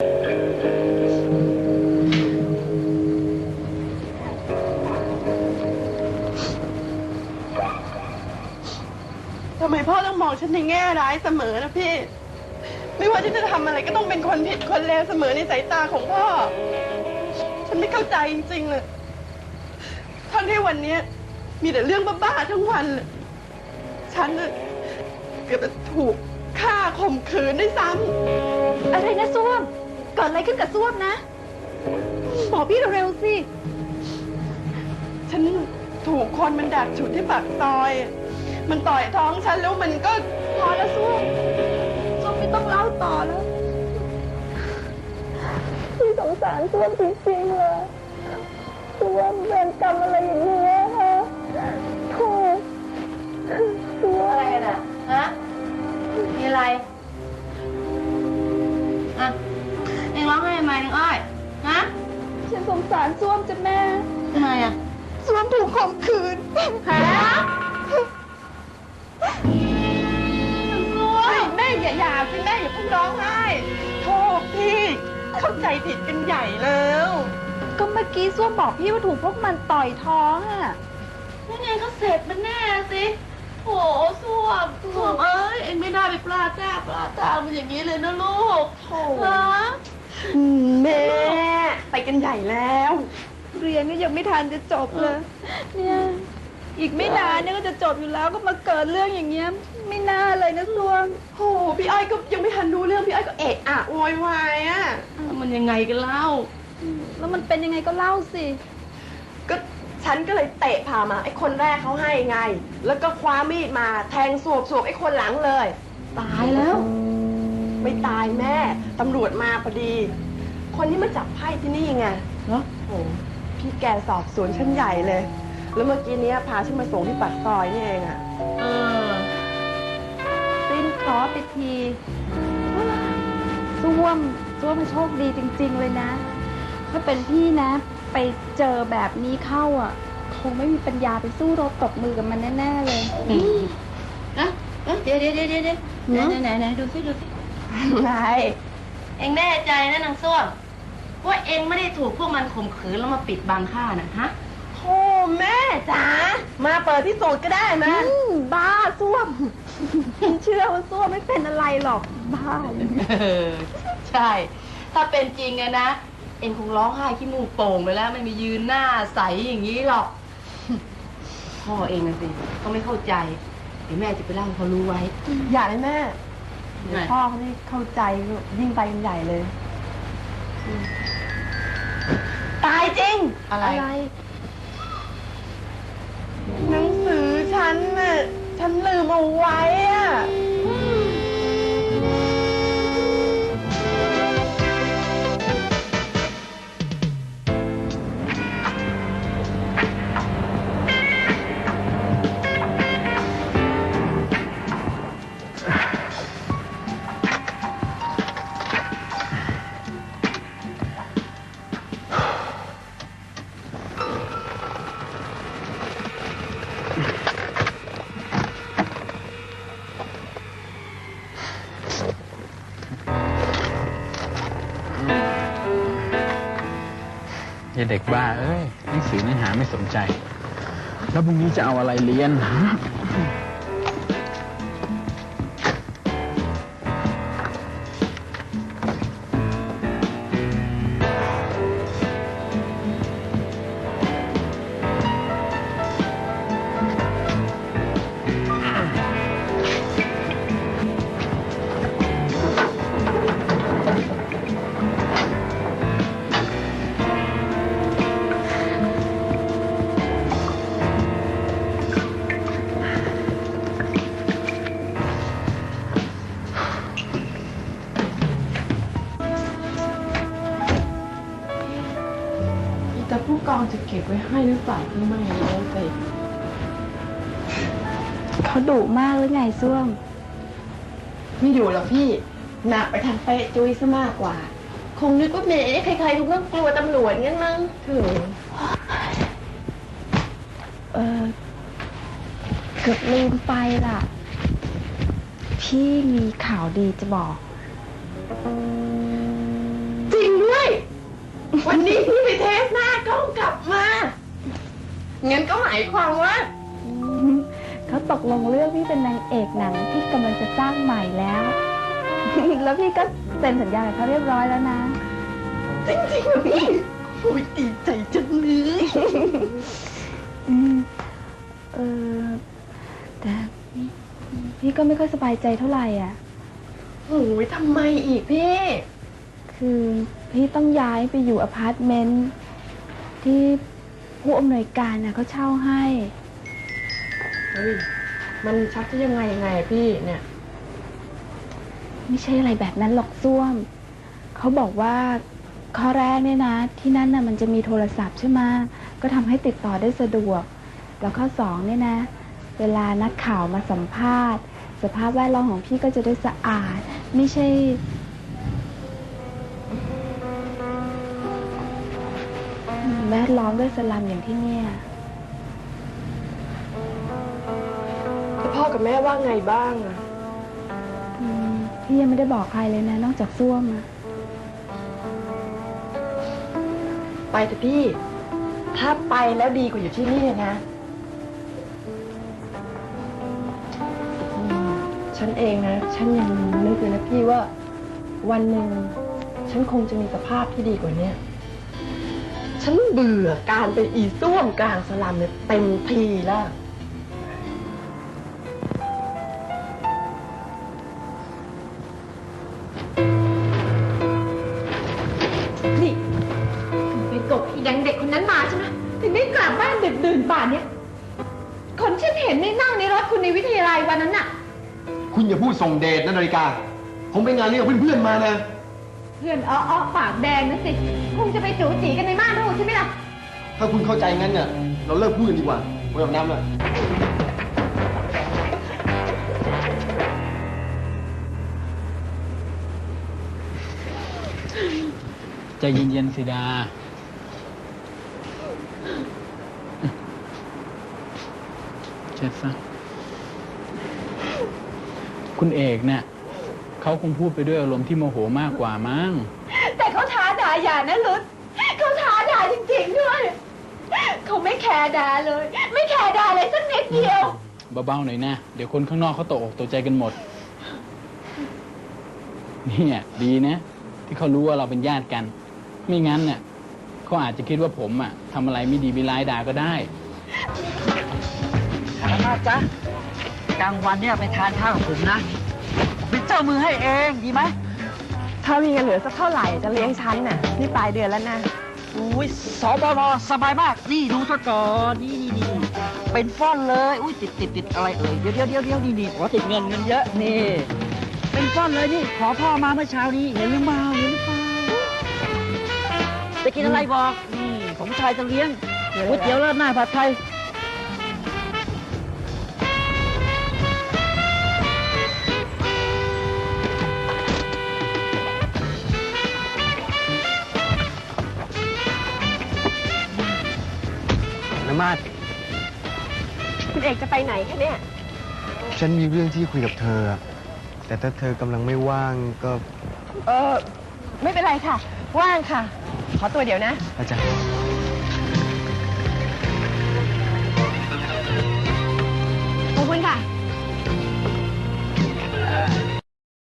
ทำไมพ่อต้องมองฉันในแง่ร้ายเสมอนะพี่ ไม่ว่าฉันจะทำอะไรก็ต้องเป็นคนผิดคนเลวเสมอในสายตาของพ่อ ฉันไม่เข้าใจจริงๆเลยทั้งที่วันนี้มีแต่เรื่องบ้าๆทั้งวันเลยฉันเกือบจะถูกฆ่าข่มขืนด้วยซ้ำอะไรนะส้วมเกิดอะไรขึ้นกับส้วมนะบอกพี่เร็วๆสิฉันถูกคนมันดักฉุดที่ปากซอย มันต่อยท้องฉันแล้วมันก็พอแล้วส้วมไม่ต้องเล่าต่อแล้วพี่สงสารส้วมจริงๆเลยส้วมเป็นกรรมอะไรอย่างนี้คะโธ่ส้วมอะไรน่ะฮะมีอะไรอ่ะเอ็งร้องไห้ทำไมน้องอ้อยฮะฉันสงสารส้วมจ้ะแม่ทำไมอ่ะส้วมถูกข่มขืนฮะแม่อย่าสิแม่อย่าเพิ่งร้องไห้โทษพี่เข้าใจผิดกันใหญ่แล้วก็เมื่อกี้ส้วมบอกพี่ว่าถูกพวกมันต่อยท้องอ่ะยังไงก็เสร็จมันแน่สิโอ้ส้วมเอ้ยเอ็งไม่น่าไปปลาตามันอย่างนี้เลยนะลูกโถ่ฮะแม่ไปกันใหญ่แล้วเรียนก็ยังไม่ทันจะจบเลยเนี่ยอีกไม่นานเนี่ยก็จะจบอยู่แล้วก็มาเกิดเรื่องอย่างเงี้ยไม่น่าเลยนะส้วมโอ้พี่อ้อยก็ยังไม่ทันรู้เรื่องพี่อ้อยก็เอะอะโวยวายอ่ะมันยังไงกันเล่าแล้วมันเป็นยังไงก็เล่าสิก็ฉันก็เลยเตะผ่ามาไอ้คนแรกเขาให้ไง แล้วก็คว้ามีดมาแทงสวบไอ้คนหลังเลยตายแล้วไม่ตายแม่ตำรวจมาพอดี คนที่มาจับไพ่ที่นี่ไงเหรอโอ้พี่แกสอบสวนชั้นใหญ่เลย แล้วเมื่อกี้เนี้ยพาฉันมาส่งที่ปากซอยนี่เองอะเออสิ้นเคราะห์ไปทีส้วมมันโชคดีจริงๆเลยนะ ถ้าเป็นพี่นะ ไปเจอแบบนี้เข้าอ่ะ คงไม่มีปัญญาไปสู้รบตบมือกับมันแน่ๆเลยนะเดี๋ยวไหนดูสิไงเอ็งแน่ใจนะนางส้วมว่าเอ็งไม่ได้ถูกพวกมันข่มขืนแล้วมาปิดบังข้านะฮะโธ่แม่จ๋ามาเปิดที่สูตรก็ได้นะบ้าส้วม ฉันเชื่อว่าส้วมไม่เป็นอะไรหรอก บ้าใช่ ถ้าเป็นจริงอะนะ เอ็งคงร้องไห้ขี้มูกโป่งไปแล้วไม่มียืนหน้าใสอย่างนี้หรอก พ่อเองนะสิเขาไม่เข้าใจเดี๋ยวแม่จะไปเล่าให้เขารู้ไว้อย่าเลยแม่เดี๋ยวพ่อเขาไม่เข้าใจยิ่งไปกันใหญ่เลย ตายจริงอะไรหนังสือฉันน่ะฉันลืมเอาไว้อะอย่าเด็กบ้าเอ้ยหนังสือเนื้อหาไม่สนใจ แล้วพรุ่งนี้จะเอาอะไรเรียนแต่ผู้กองจะเก็บไว้ให้หรือเปล่าก็ไม่รู้สิเขาดุมากหรือไงส้วมไม่อยู่หรอกพี่หนักไปทางเป๊ะจุ้ยซะมากกว่า คงนึกว่าแหมใครๆทุกคนกลัวตำรวจงั้นมั้งถึงเกือบลืมไปล่ะ พี่มีข่าวดีจะบอกวันนี้พี่ไปเทสหน้ากล้องกลับมางั้นก็หมายความว่าเขาตกลงเรื่องพี่เป็นนางเอกหนังที่กำลังจะสร้างใหม่แล้ว แล้วพี่ก็เซ็นสัญญากับเขาเรียบร้อยแล้วนะจริงๆเหรอพี่โอ้ยดีใจจังเลยอืมเออแต่พี่ก็ไม่ค่อยสบายใจเท่าไหร่อ่ะโอ้ยทำไมอีกพี่คือพี่ต้องย้ายไปอยู่อพาร์ตเมนต์ที่ผู้อำนวยการน่ะเขาเช่าให้เฮ้ย มันชักจะยังไงอะพี่เนี่ยไม่ใช่อะไรแบบนั้นหรอกส้วม เขาบอกว่าข้อแรกเนี่ยนะ ที่นั่นน่ะมันจะมีโทรศัพท์ใช่ไหมก็ทำให้ติดต่อได้สะดวก แล้วข้อสองเนี่ยนะ เวลานักข่าวมาสัมภาษณ์ สภาพแวดล้อมของพี่ก็จะได้สะอาด ไม่ใช่แวดล้อมด้วยสลัมอย่างที่เนี่ยแล้วพ่อกับแม่ว่าไงบ้างอะพี่ยังไม่ได้บอกใครเลยนะ นอกจากส้วมอะไปเถอะพี่ ถ้าไปแล้วดีกว่าอยู่ที่นี่นะฉันเองนะ ฉันยังนึกเลยนะพี่ว่าวันหนึ่งฉันคงจะมีสภาพที่ดีกว่าเนี้ยฉันเบื่อการเป็นอีส้วมกลางสลัมเนี่ยเต็มทีแล้วนี่ไปกบอีดังเด็กคนนั้นมาใช่ไหมถึงได้กลับบ้านดึกดื่นป่านเนี้ยคนฉันเห็นในนั่งในรถคุณในวิทยาลัยวันนั้นน่ะคุณอย่าพูดส่งเดชนะนาฬิกา ผมไปงานเลี้ยงกับเพื่อนๆมานะเพื่อนอ้อปากแดงนะสิ คงจะไปจู๋จีกันในม่านรูดใช่ไหมล่ะถ้าคุณเข้าใจงั้นเนี่ยเราเลิกพูดกันดีกว่าไม่ต้องน้ำละใจเย็นๆสิดา เช็ดซะ คุณเอกเนี่ยเขาคงพูดไปด้วยอารมณ์ที่โมโหมากกว่ามั้งแต่เขาท้าด่าอย่านะลุดเขาท้าด่าจริงๆด้วย เขาไม่แคร์ด่าเลย ไม่แคร์ด่าเลยสักนิดเดียวเบาๆหน่อยนะ เดี๋ยวคนข้างนอกเขาตกอกตกใจกันหมด เนี่ยดีนะ ที่เขารู้ว่าเราเป็นญาติกัน ไม่งั้นเนี่ยเขาอาจจะคิดว่าผมอ่ะทำอะไรไม่ดีไม่ร้ายด่าก็ได้สามารถจ๊ะกลางวันเนี่ยไปทานข้าวกับผมนะเป็นเจ้ามือให้เองดีไหมถ้ามีเงินเหลือสักเท่าไหร่จะเลี้ยงฉันน่ะนี่ปลายเดือนแล้วนะอุ้ยสบนสบายมาก นี่ดูซะก่อนนี่เป็นฟ่อนเลย อุ้ยติดอะไรเอ่ยเดี๋ยวนี่ขอติดเงินเยอะนี่ เป็นฟ่อนเลยนี่ขอพ่อมาเมื่อเช้านี้เห็นหรือเปล่าจะกินอะไรบอกนี่ผมชายจะเลี้ยงก๋วยเตี๋ยวราดหน้าผัดไทยน้ำมาดคุณเอกจะไปไหนคะเนี่ยฉันมีเรื่องที่คุยกับเธอ แต่ถ้าเธอกำลังไม่ว่างก็ไม่เป็นไรค่ะ ว่างค่ะ ขอตัวเดี๋ยวนะอาจารย์ขอบคุณค่ะ